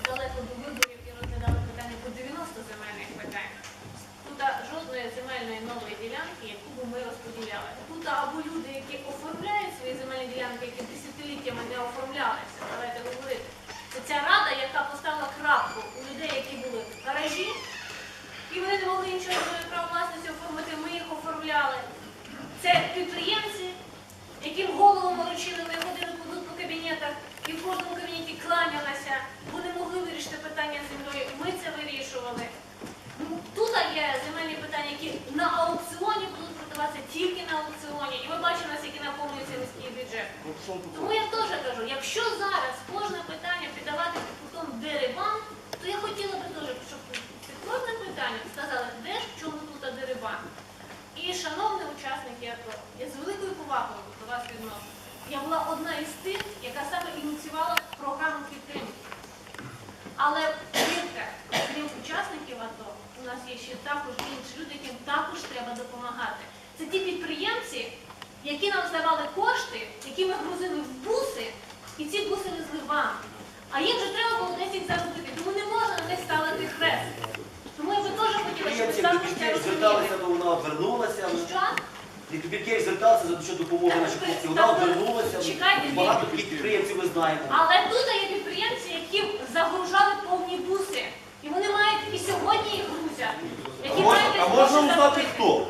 далеко до виборів і розглядали питання по 90 земельних питань. Тут жодної земельної нової ділянки, яку б ми розподіляли. Тут або люди, які оформляють свої земельні ділянки, які десятиліттями не оформлялися, давайте говорити. Це ця рада, яка поставила крапку у людей, які були в гаражі, і вони не могли нічого права власності оформити, ми їх оформляли. Це підприємці, яким голову морочили, вони ходили по кабінетах і в кожному кабінеті кланялися, вони могли вирішити питання з землею, ми це вирішували. Тут є земельні питання, які на аукціоні будуть продаватися тільки на аукціоні, і ми бачимо, наскільки наповнюється міський бюджет. Тому я теж кажу, якщо зараз кожне питання піддавати під кутом дерибан, то я хотіла би теж, щоб під кожне питання сказали, де ж в чому тут дерибан. І, шановні учасники АТО, я з великою повагою до вас відношу. Я була одна із тих, яка саме ініціювала програму підтримки. Але, повірте, крім учасників АТО, у нас є ще також інші люди, яким також треба допомагати. Це ті підприємці, які нам здавали кошти, які ми грузили в буси, і ці буси везли вам. А їм вже треба було десь їх заробити, тому не можна на них ставити хрест. Тому я би теж хотіла, щоб ви також це розуміли. Вона обернулася. Що? Підприємці зверталися за що допомоги нашій хлопці. Вона обернулася. Багато підприємців ви знаєте. Але тут є підприємці, які загружали повні буси. І вони мають і сьогодні їх грузять. А можна узнати хто?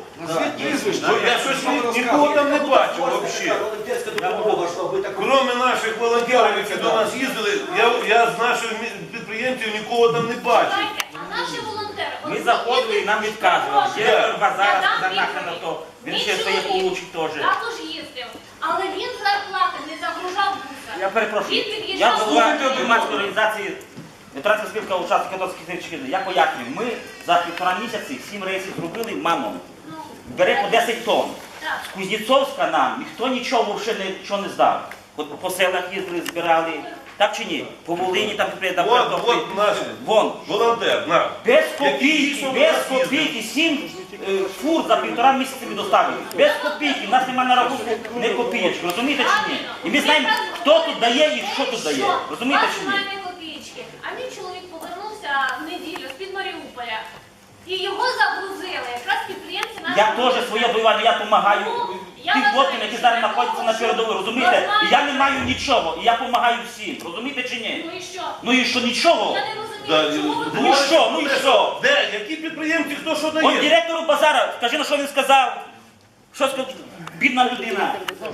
Я щось нікого там не бачу взагалі. Волонтерська допомога, що ви так... Кроме наших волонтерів, які до нас їздили, я з наших підприємців нікого там не бачу. А наші волонтери... Ми заходили і нам відказували. Директор базара сказав на то. Він ще своє получить теж. Також їздив. Але він зарплати не загружав буса. Я перепрошую. Він Я під'їжджав... голова громадської організації ветеранська спілка учасників АТО Київщини. Я пояснюю, ми за 1,5 місяці 7 рейсів зробили маном. Бере по 10 тонн. З Кузнєцовська нам ніхто нічого взагалі нічого не здав. От по селах їздили, збирали. Так чи ні? По Волині там підприємство. От наш волонтер, наш. Без копійки, 7 фур за 1,5 місяця ми доставили. Без копійки, в нас немає на рахунку не копійки, розумієте чи ні? І ми знаємо, хто тут дає і що тут дає, розумієте чи ні? Немає копійки. А мій чоловік повернувся в неділю з-під Маріуполя. І його загрузили, якраз підприємці наші... Я теж своє воювання, я допомагаю тим хлопцям, які зараз знаходяться на передовій, розумієте? І я не маю нічого, і я допомагаю всім, розумієте чи ні? Ну і що? Ну і що, нічого? Я не розумію, чому ви... Ну і що, ну і що? Де? Які підприємці, хто що От дає? директору базара, скажи, на що він сказав? Що сказав? Бідна людина.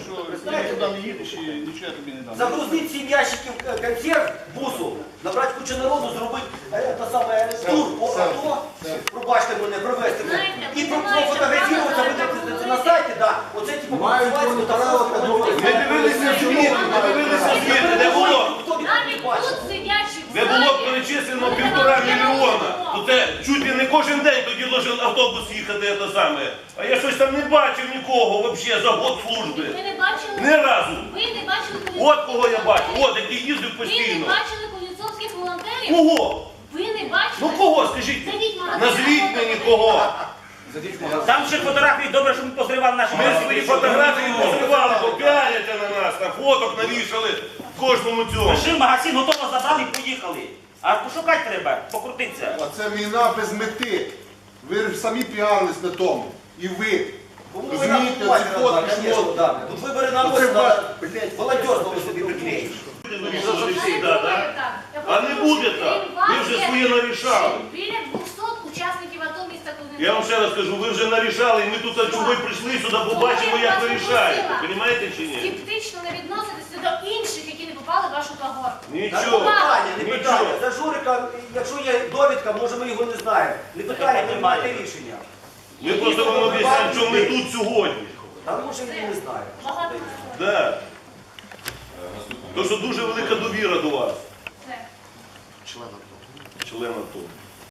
Загрузити 7 ящиків консерв бусу, набрати кучу народу, зробити тур по АТО, пробачте мене, провести мене, і профотографіруватися, викликати це на сайті, оце типу Мацевацьку та Ми дивилися звіти, де було. Навіть тут сидячі в Де було перечислено 1,5 мільйона. То це чуть ли не кожен день тоді должен автобус їхати, це саме. А я щось там не бачив нікого взагалі за год служби. Ви не бачили? Ні разу. Ви не бачили Кузнєцовських? От кого я бачу, от який їздив Ви не постійно. бачили Кузнєцовських волонтерів? Кого? Ви не бачили? Ну кого, скажіть? Зайдіть в магазин. Назвіть мені кого. Там ще фотографії, добре, що ми позривали наші Ми свої фотографії позривали, попіаряться на нас, на фоток навішали в кожному цьому. Пиши, магазин готово забрали і поїхали. А пошукати треба, покрутитися. А це війна без мети. Ви ж самі піарились на тому. І ви. Розумієте, ці фотки ж можуть. Тут вибори на Оце ваш, волонтерство ви собі приклеїш. Вирішили всі, да? А не буде так. Ви вже своє нарішали. Біля 200 учасників АТО міста Кузнєцова. Я вам ще раз кажу, ви вже нарішали, і ми тут чого й прийшли сюди, побачимо, як ви рішаєте. Розумієте чи ні? Скептично не відноситися до інших, які не попали в вашу когорту. Нічого. Не питання. За Журика, якщо є довідка, може ми його не знаємо. Не питання, не маєте рішення. Ми просто вам обіцяємо, що ми тут сьогодні. А може він не знає. Багато Да. Тому що дуже велика довіра до вас. це. Член АТО.